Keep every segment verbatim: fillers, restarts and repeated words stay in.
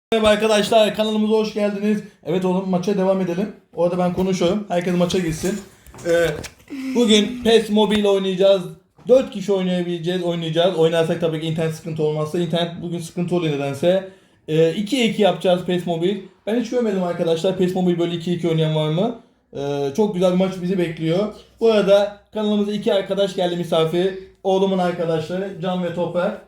Merhaba arkadaşlar, kanalımıza hoş geldiniz. Evet oğlum, maça devam edelim. Orada ben konuşuyorum. Herkes maça gitsin. Ee, bugün PES Mobile oynayacağız. dört kişi oynayabileceğiz, oynayacağız. Oynarsak tabii ki internet sıkıntı olmazsa. İnternet bugün sıkıntı oluyor nedense. Ee, ikiye iki yapacağız PES Mobile. Ben hiç görmedim arkadaşlar. PES Mobile böyle iki iki oynayan var mı? Ee, çok güzel bir maç bizi bekliyor. Bu arada kanalımıza iki arkadaş geldi misafir. Oğlumun arkadaşları Can ve Toprak.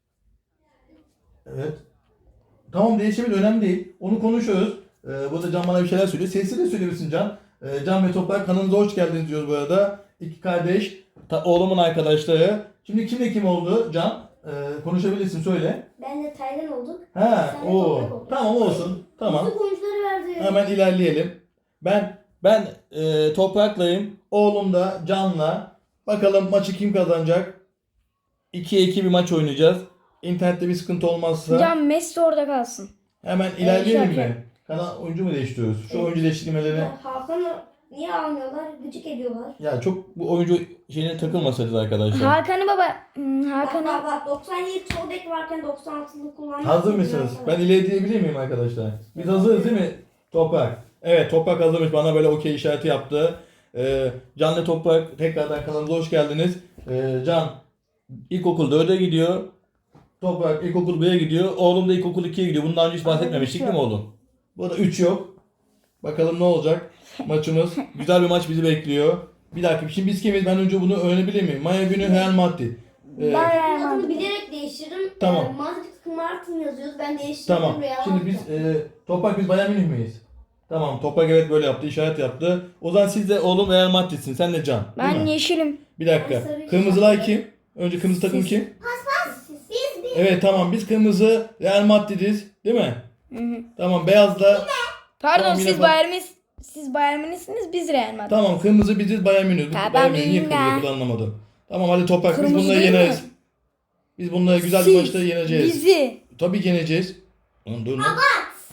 Evet. Tamam, değişebilir, önemli değil. Onu konuşuyoruz. Ee, burada Can bana bir şeyler söylüyor. Sesli de söyleyebilirsin Can. Ee, Can ve Toprak kanalımıza hoş geldiniz diyoruz bu arada. İki kardeş. Ta, oğlumun arkadaşları. Şimdi kimle kim oldu Can? Ee, konuşabilirsin, söyle. Ben de Taylan olduk. Ha, o. Tamam olsun. Tamam. Nasıl oyuncuları verdi? Hemen ilerleyelim. Ben ben e, Toprak'layım. Oğlum da Can'la. Bakalım maçı kim kazanacak? ikiye iki bir maç oynayacağız. İnternette bir sıkıntı olmazsa. Can Messi orada kalsın. Hemen ilerleyelim şarkı. mi? Kanal oyuncu mu değiştiriyoruz? Şu Evet. oyuncu değiştirmeleri. Ya Hakan'ı niye almıyorlar? Gıcık ediyorlar. Ya çok bu oyuncu şeyine takılmasaydınız arkadaşlar. Hakan'ı baba. Hmm, Bak Hakan'ı. bak bak doksan yedi sol bek varken doksan altılık kullanmak. Hazır mısınız? Ben ileri diyebilir miyim arkadaşlar? Biz hazırız değil mi? Toprak. Evet, Toprak hazırmış. Bana böyle okey işareti yaptı. Ee, Can'la Toprak tekrardan kanalımıza hoş geldiniz. Ee, Can ilkokul dörde gidiyor. Toprak ilkokul bire gidiyor. Oğlum da ilkokul ikiye gidiyor. Bundan önce hiç bahsetmemiştik değil mi oğlum? Burada üç yok. Bakalım ne olacak maçımız. Güzel bir maç bizi bekliyor. Bir dakika, şimdi biz kimiz? Ben önce bunu öğrenebilir miyim? Maya günü Real Madrid. Ee, Ben Adını bilerek değiştiririm. Tamam. Ee, Madrid Martin yazıyoruz. Ben değiştirdim. Tamam. Real Şimdi biz e, Toprak biz Bayern Münih miyiz? Tamam. Toprak evet böyle yaptı. İşaret yaptı. O zaman siz de oğlum Real Madrid'sin. Sen de Can. Değil Ben mi? yeşilim. Bir dakika. Ben sarı Kırmızılar işaret. kim? Önce kırmızı takım kim? Siz, biz biz. Evet tamam. Biz kırmızı Real Madrid'iz. Değil mi? Hı hı. Tamam. Beyaz da Pardon, Tamam, yine siz bak- Bayern Münih- siz Bayern Münisiniz, biz Real Madrid. tamam. Kırmızı biziz, Bayern Münih. Biz Ha, Bayern ben Münih niye bilmiyorum kırmızı ya. bunu anlamadım. Tamam hadi Toprak, biz Kırmızı bunları değil mi? yeneriz. Biz bunları güzel bir Siz, maçta yeneceğiz. Bizi. Tabii yeneceğiz. Lan dur lan.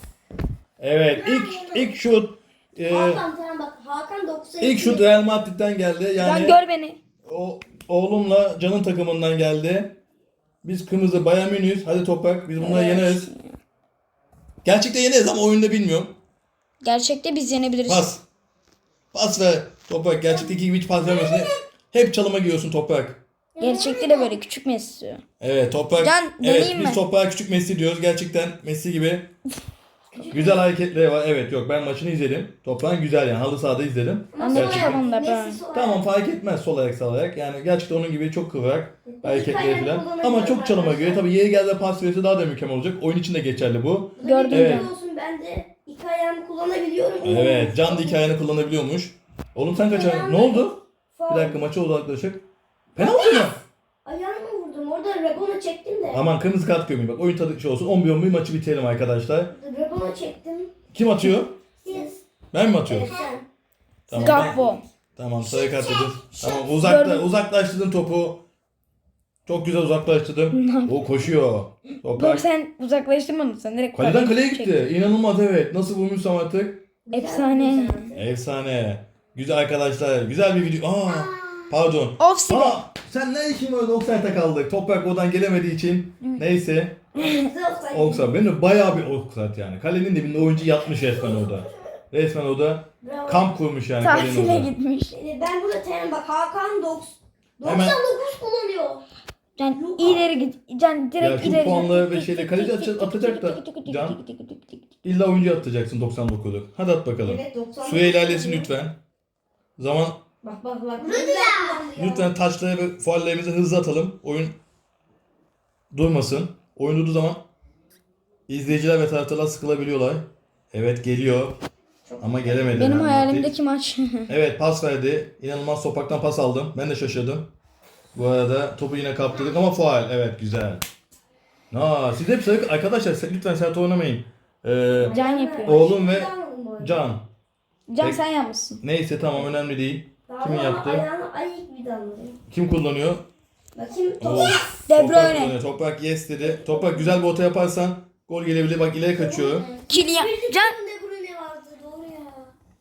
Evet, ilk ilk şut e, Hakan tamam bak. Hakan doksan iki. ilk şut Real Madrid'den geldi. Can Yani gör beni. o oğlumla Can'ın takımından geldi. Biz kırmızı Bayern Münih'iz. Hadi Toprak, biz bunları Evet. yeneriz. Gerçekten yeneriz ama oyunda bilmiyorum. Gerçekte biz yenebiliriz. Pas. Pas ver Toprak. Gerçekte iki gibi hiç pas vermiyorsun. Hep çalıma giriyorsun Toprak. Gerçekte de böyle küçük Messi. Evet Toprak. Can, evet deneyeyim biz mi? Toprak'a küçük Messi diyoruz. Gerçekten Messi gibi. Güzel hareketleri var. Evet yok, ben maçını izledim. Toprak'ın güzel yani. Halı sahada izledim. Ben de Gerçekten. tamam da ben. Messi sol Tamam, fark etmez sol ayak sağ ayak. Yani gerçekten onun gibi çok kıvrak hareketleri ayağını falan. kullanabiliyor Ama çok çalıma arkadaşlar. göre. Tabii yeri geldiğinde pas verirse daha da mükemmel olacak. Oyun için de geçerli bu. Gördüm Evet. Evet. Olsun, ben de iki ayağımı kullanabiliyorum. Evet, Can da iki ayağını kullanabiliyormuş. Oğlum sen kaç ayağını? Ne oldu? Bir dakika, maça uzaklaşık. Penaltı mı? Ayağımı vurdum. Orada Rebona çektim de. Aman kırmızı kart görmeyin. Bak oyun tadı şey olsun. on bir on bir maçı bitirelim arkadaşlar. Rebona çektim. Kim atıyor? Siz. Ben mi atıyorum? Evet sen. Tamam. Gakpo. Tamam, sarı kart dedim. Tamam, uzakta, Gördüm. uzaklaştırdın topu. Çok güzel uzaklaştırdım. O koşuyor. Yok, Toprak. sen uzaklaştırmadın, sen direkt Kaleden kaleye çektin. gitti. İnanılmaz, evet. Nasıl vurmuşsam artık. Efsane. Efsane. Güzel arkadaşlar. Güzel bir video. Aa, pardon. Offside. Aa, sen ne işin var? Offside'a kaldık. Toprak oradan gelemediği için. Neyse. Offside. Benim de bayağı bir offside yani. Kalenin dibinde oyuncu yatmış resmen orada. Resmen orada Bravo. kamp kurmuş yani kalenin Tatile orada. gitmiş. Ee, Ben burada terim bak Hakan doksan Hemen- doksan dokuz kullanıyor. Can ileri git. Can direkt Ya şu ileri. puanları ve şeyle kaleci atacak- atacak da Can. İlla oyuncu atacaksın doksan dokuzluk. Hadi at bakalım. Evet doksan dokuz. Süre ilerlesin lütfen. Zaman Bak bak bak. lütfen taçları ve fuallerimizi hızlı atalım. Oyun durmasın. Oyun durduğu zaman izleyiciler ve taraftarlar sıkılabiliyorlar. Evet geliyor. Ama gelemedi. Benim Yani. hayalimdeki maç. Evet, pas verdi. İnanılmaz topraktan pas aldım. Ben de şaşırdım. Bu arada topu yine kaptırdık ama faul. Evet, güzel. Aa, siz hep sarı... Arkadaşlar lütfen sert oynamayın. Ee, Can yapıyor. Oğlum ve Can. Can Peki. sen yapmışsın. Neyse tamam, önemli değil. Kimin yaptı? Ayağını ayık bir damlayayım. Kim kullanıyor? Bakayım. Oo, Toprak. De Toprak Bruyne. kullanıyor. Toprak yes dedi. Toprak güzel bir orta yaparsan gol gelebilir. Bak ileri kaçıyor. Kylian. Bir Can. de De Bruyne vardı doğru ya.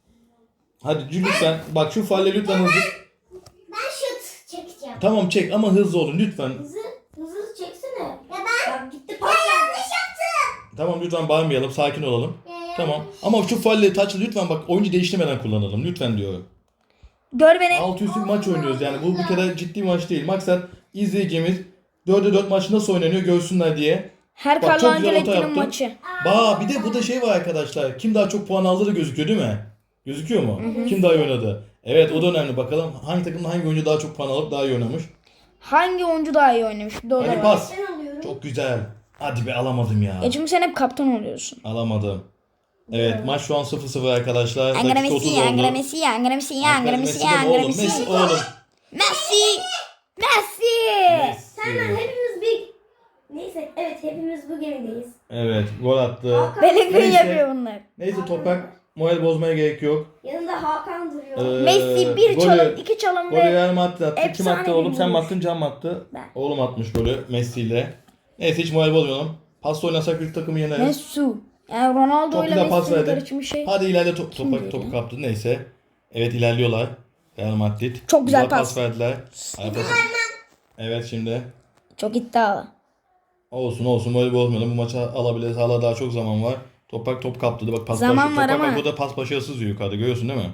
Hadi lütfen. Bak şu falle lütfen hızlı. Ben şut çekeceğim. Tamam çek ama hızlı olun lütfen. Hızlı hızlı çeksene. Ya ben. Bak gitti pas. Ya yanlış yaptım. Tamam lütfen bağırmayalım, sakin olalım. Tamam. Ama şu falle taçlı lütfen bak oyuncu değiştirmeden kullanalım lütfen diyorum. Gör beni. Altı üstü bir maç oynuyoruz yani bu bir kere ciddi bir maç değil. Maksat izleyicimiz dörde dört maç nasıl oynanıyor görsünler diye. Her Bak, Carlo çok güzel orta Ancelotti'nin yaptın. maçı. Ba bir de burada şey var arkadaşlar. Kim daha çok puan aldı da gözüküyor değil mi? Gözüküyor mu? Kim daha iyi oynadı? Evet o da önemli. Bakalım hangi takımda hangi oyuncu daha çok puan alıp daha iyi oynamış. Hangi oyuncu daha iyi oynamış? Bir de o da Hadi var. pas. Ben alıyorum. Çok güzel. Hadi be alamadım ya. E çünkü sen hep kaptan oluyorsun. Alamadım. Evet maç şu an sıfır sıfır arkadaşlar. Angara Dakika otuz Messi, oldu. Angara Messi, Angara Messi, Angara Messi Messi, de Angara oğlum, Messi. Messi oğlum. Messi! Messi! Senden hepimiz bir... Neyse evet hepimiz bu gemideyiz. Evet gol attı. Bellingham Neyse. yapıyor bunlar. Neyse Toprak moral bozmaya gerek yok. Yanında Hakan duruyor. Ee, Messi bir golü- çalım, iki çalım Golü ve Real Madrid attı. Kim efsane attı bir oğlum? Sen mi vuruş. attın? Can mı attı? Ben. Oğlum atmış golü Messi ile. Neyse hiç moral bozmayalım. Pasta oynasak bir takımı yeneriz. Messi. Yani Ronaldo Çok ile güzel pas Messi'nin verdi. karışımı şey. Hadi ileride top, topak diyor topu ya? kaptı. Neyse. Evet ilerliyorlar. Real Madrid. Çok güzel pas. verdiler. Ay, pas- Evet şimdi. Çok iddialı. Olsun olsun moral bozmayalım. Bu maçı alabiliriz. Hala daha çok zaman var. Topak top kaptı. Bak pas Zaman başı. var Topak ama- bak burada pas başarısız diyor yukarıda. Görüyorsun değil mi?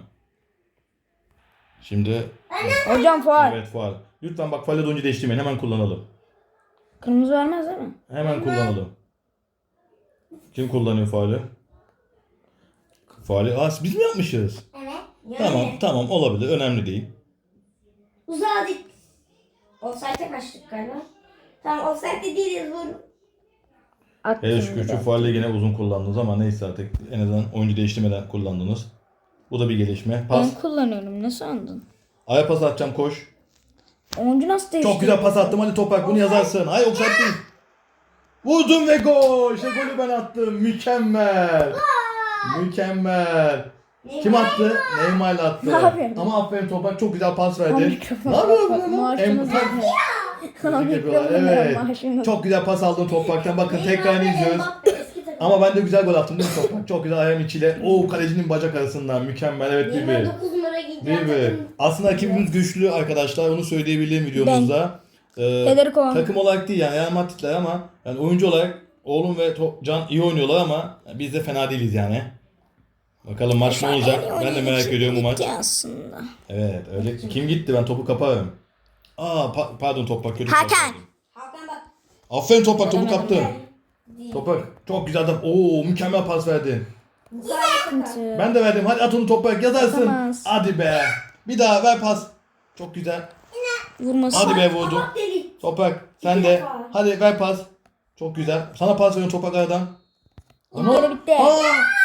Şimdi Hocam faul. evet faul. Lütfen bak faule oyuncu değiştirmeyin. Hemen kullanalım. Kırmızı vermez değil mi? Hemen kullanalım. Kim kullanıyor faulü? Faulü. Aa, biz mi yapmışız? Evet. Yani. Tamam tamam olabilir. Önemli değil. Uzadık. Offside'e kaçtık galiba. Tamam offside'de değiliz vur. Attım. Hele şükür şu faulü yine uzun kullandınız ama neyse artık en azından oyuncu değiştirmeden kullandınız. Bu da bir gelişme. Pas. Ben kullanıyorum. Nasıl andın? Aya pas atacağım koş. Oyuncu nasıl değişti? Çok güzel pas attım. Hadi Toprak bunu yazarsın. Hayır offside değil. Vurdum ve gol. İşte golü ben attım. Mükemmel. Mükemmel. Kim attı? Neymar attı. Ne yapıyorsun? Ama aferin Toprak çok güzel pas Ama verdin. mikrofon- Ne yapıyorsun lan? Maaşımız Em- yetmiyor. Ama Tebrik ediyorlar, mikrofon evet. maaşımız- Çok güzel pas aldın Toprak'tan. Bakın tekrar Neymar ve izliyoruz. Mbappe eski takım. Ama ben de güzel gol attım değil mi Toprak? Çok güzel ayağım içiyle. Oo kalecinin bacak arasından. Mükemmel. Evet bir Neymar bir. dokuz numara giyeceğim Bir bir. takım. Aslında rakibimiz güçlü arkadaşlar. Onu söyleyebilirim videomuzda. Ee, Federico. takım olarak değil yani Real Madrid'ler ama yani oyuncu olarak oğlum ve To- Can iyi oynuyorlar ama biz de fena değiliz yani. Bakalım maç ne olacak? Ben de merak ediyorum bu maç. Gitti aslında. Evet öyle. Kim gitti? Ben topu kaparım. Aa pa- pardon Toprak kötü. Hakan. pas verdim. Hakan bak. Aferin Toprak topu Veremedim. kaptın. Değil. Toprak çok güzel adam. Oo mükemmel pas verdin. Musa Yasak. Ben de verdim. Hadi at onu Toprak yazarsın. Atamaz. Hadi be. Bir daha ver pas. Çok güzel. Vurması. Hadi be vurdu. Kabak delik. Toprak sen İki de. defa. Hadi ver pas. Çok güzel. Sana pas veriyorum Toprak aradan. İlkleri bitti. Aa!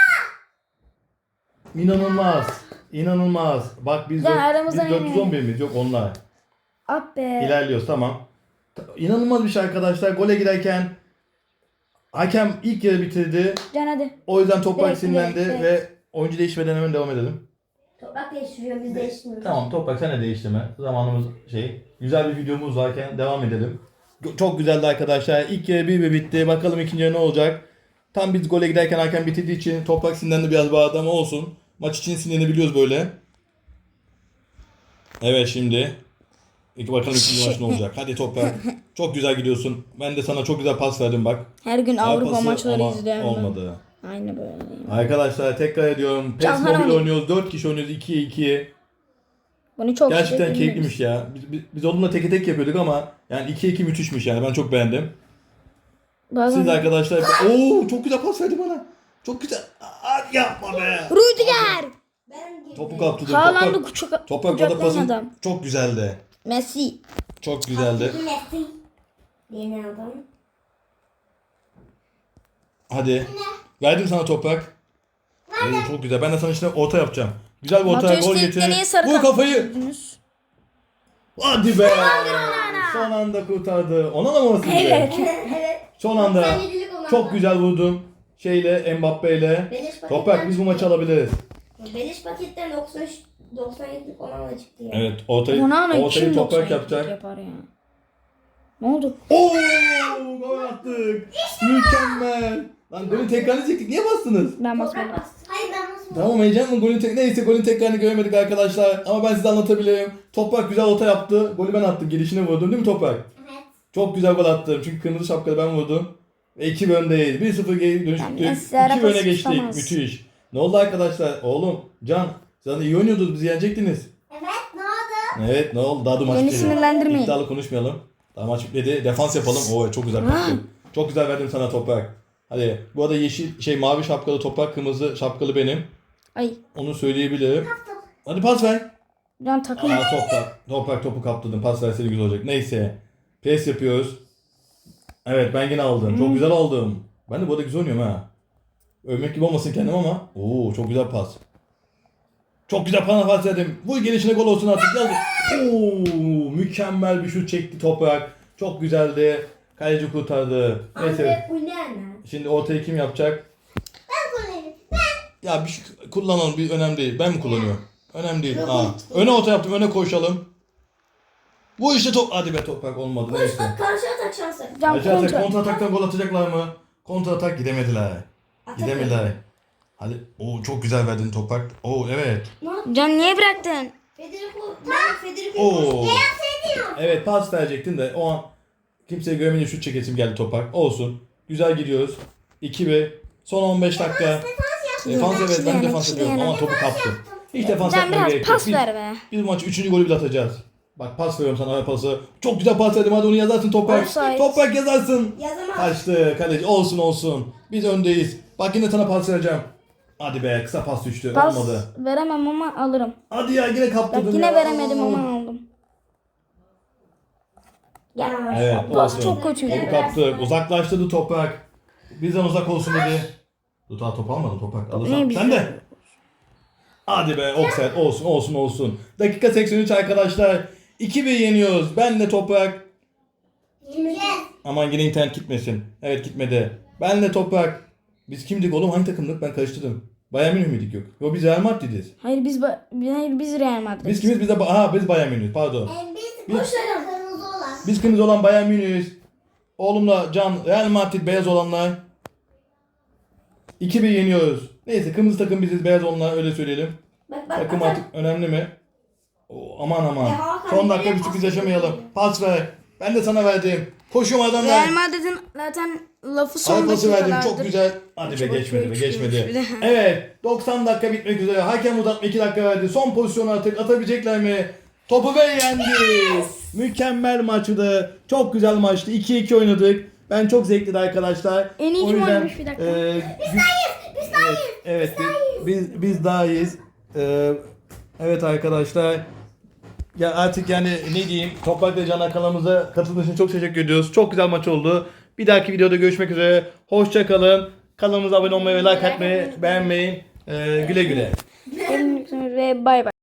İnanılmaz. İnanılmaz. Bak biz, Ya dört- biz aramızdan dört yüz on bir miyiz? Yok onlar. Ah be. İlerliyoruz tamam. Ta- İnanılmaz bir şey arkadaşlar. Gole girerken hakem ilk yarı bitirdi. Can hadi. O yüzden Toprak Direkt, sinirlendi direkt, ve oyuncu değişmeden hemen devam edelim. Toprak değiştiriyor biz değiştirmiyoruz. Tamam Toprak sen de değiştirme. Zamanımız şey. Güzel bir videomuz varken devam edelim. Go- Çok güzeldi arkadaşlar. İlk yarı bir bir bitti. Bakalım ikinci yarı ne olacak. Tam biz gole giderken hakem bitirdiği için Toprak sinirlendi biraz bağırdı ama olsun. Maç için sinirlenebiliyoruz böyle. Evet şimdi. İlk bakalım ikinci maç ne olacak. Hadi Toprak. Çok güzel gidiyorsun. Ben de sana çok güzel pas verdim bak. Her gün Avrupa Pası maçları ama izliyorum. ben. olmadı. Aynı böyle. Arkadaşlar tekrar ediyorum. PES Can Mobile Hanım. oynuyoruz. dört kişi oynuyoruz. ikiye iki. Bunu çok Gerçekten şey keyifliymiş ya. Biz, biz, biz onunla teke tek yapıyorduk ama yani ikiye iki müthişmiş yani. Ben çok beğendim. Bazen... Siz arkadaşlar... Oo çok güzel pas verdi bana. Çok güzel. Aa, yapma be. Rüdiger. Ben girdim. Topu kaptırdım. Haaland'ı Toprak, kucak, toprak orada kucaklayan pasın adam. çok güzeldi. Messi. Çok güzeldi. Messi. Yeni adam. Hadi. Verdim sana Toprak. Oo, çok güzel. Ben de sana işte orta yapacağım. Güzel bir orta Mateus gol ilk getir. deneye sarı Vur kart kafayı. gördünüz. Hadi be. Son anda kurtardı. Ona da mı orası? Evet. Evet. Son anda. doksan yedilik olan Çok adam. güzel vurdum. Şeyle Mbappe ile. Beleş paketten Toprak biz bu maçı çıktı. alabiliriz. Beleş paketten doksan üç doksan yedilik olan da çıktı ya. Evet ortayı, Onana ortayı kim Toprak doksan yapacak. yapar ya? Ne oldu? Oo gol attık. Mükemmel. Lan golün tekrarını çektik. Niye bastınız? Ben Toprak basmadım. bastı. Hayır ben nasıl Tamam heyecan mı? Golün tek neyse golün tekrarını göremedik arkadaşlar. Ama ben size anlatabilirim. Toprak güzel orta yaptı. Golü ben attım. Gelişine vurdum değil mi Toprak? Evet. Çok güzel gol attım. Çünkü kırmızı şapkalı ben vurdum. Ve iki bir öndeyiz. bir sıfır geri Yani dönüştük. Esra iki bir öne pas geçtik. tutamaz. Müthiş. Ne oldu arkadaşlar? Oğlum Can zaten iyi oynuyordunuz. Bizi yenecektiniz. Evet ne oldu? Evet ne oldu? Daha da maç Beni bitmedi. sinirlendirmeyin. İddialı konuşmayalım. Daha maç bitmedi. Defans yapalım. Oo çok güzel kaptın. Çok güzel verdim sana toprak. Hadi bu arada yeşil şey mavi şapkalı toprak, kırmızı şapkalı benim. Ay. Onu söyleyebilirim. Hadi pas ver. Can takım. Aa toprak. Toprak topu kaptırdın. Pas verseydi güzel olacak. Neyse. Pres yapıyoruz. Evet ben yine aldım. Çok güzel aldım. Ben de bu arada güzel oynuyorum ha. Övmek gibi olmasın kendim ama. Oo çok güzel pas. Çok güzel pas verdim. Bu gelişine gol olsun artık. Yaz. Oo mükemmel bir şut çekti toprak. Çok güzeldi. Kaleci kurtardı. Neyse. Anne bu ne anne? Şimdi ortayı kim yapacak? Ben kullanayım. Ben. Ya bir şey kullanalım. Bir önemli değil. Ben mi kullanıyorum? Önemli değil. Aa, öne orta yaptım. Öne koşalım. Bu işte top. Hadi be toprak olmadı. Koş Neyse. bak karşı atak şansı. Can Kontra atak. kontra. Kontra ataktan gol atacaklar mı? Kontra atak gidemediler. Atak Gidemediler. Hadi. Oo çok güzel verdin toprak. Oo evet. Ne yaptın? Can niye bıraktın? Federico. Ben Federico. Oo. Ne yapsaydın? Evet pas verecektin de o an kimseyi görmeyince şut çekesim geldi toprak. Olsun. Güzel gidiyoruz. iki bir. Son on beş dakika. Defans evet ben Yani, defans ediyorum yani. ama topu kaptım. Hiç defans Can yapmaya biraz gerek yok. pas Biz, ver be. biz bu maçı üçüncü golü bile atacağız. Bak pas veriyorum sana pası. Çok güzel pas verdim hadi onu yazarsın toprak. Offside. Toprak yazarsın. Yazamaz. Kaçtı kaleci olsun olsun. Biz öndeyiz. Bak yine sana pas vereceğim. Hadi be kısa pas düştü. Pas Olmadı. veremem ama alırım. Hadi ya yine kaptırdın Bak yine ya. veremedim ama aldım. Ya. Evet Pas olsun. çok kötüydü. Topu kaptık. Uzaklaştırdı toprak. Bizden uzak olsun dedi. Dur daha top almadın toprak. Alırsan. Ne Sen de. Hadi be offside olsun olsun olsun. Dakika seksen üç arkadaşlar. iki bir yeniyoruz. Ben de toprak. Yiyeceğiz. Aman yine internet gitmesin. Evet gitmedi. Ben de toprak. Biz kimdik oğlum? Hangi takımdık? Ben karıştırdım. Bayern Münih miydik yok? Yok biz Real Madrid'iz. Hayır biz ba- hayır biz Real Madrid. Biz kimiz? Biz de ha biz Bayern Münih'iz. Pardon. Ee, Biz koşalım. Kırmızı olan. Biz kırmızı olan Bayern Münih'iz. Oğlumla Can Real Madrid beyaz olanlar. iki bir yeniyoruz. Neyse kırmızı takım biziz, beyaz olanlar öyle söyleyelim. Bak bak Takım atak. artık önemli mi? Oo, aman aman. Ya Hakan, Son dakika nereye bir sürpriz pas yaşamayalım. veriyorsun? Pas ver. Ben de sana verdim. Koşum adamlar. Real Madrid'in zaten lafı son Sana pası verdim. dakikalardır. Çok güzel. Hadi be Çok geçmedi be üç, geçmedi. üç, bir de. Evet doksan dakika bitmek üzere. Hakem uzatma iki dakika verdi. Son pozisyonu artık atabilecekler mi? Topu ve yendi. Mükemmel maçtı. Çok güzel maçtı. iki iki oynadık. Ben çok zevkliydi arkadaşlar. En iyi O kim yüzden, oynamış bir dakika? e, biz Biz daha iyiyiz. Evet, biz, biz, biz daha iyiyiz. Ee, evet arkadaşlar. Ya artık yani ne diyeyim, Toprak ve Can kanalımıza katıldığınız için çok teşekkür ediyoruz. Çok güzel maç oldu. Bir dahaki videoda görüşmek üzere. Hoşça kalın. Kanalımıza abone olmayı ve like atmayı beğenmeyin. Ee, güle güle. Ve bay bay.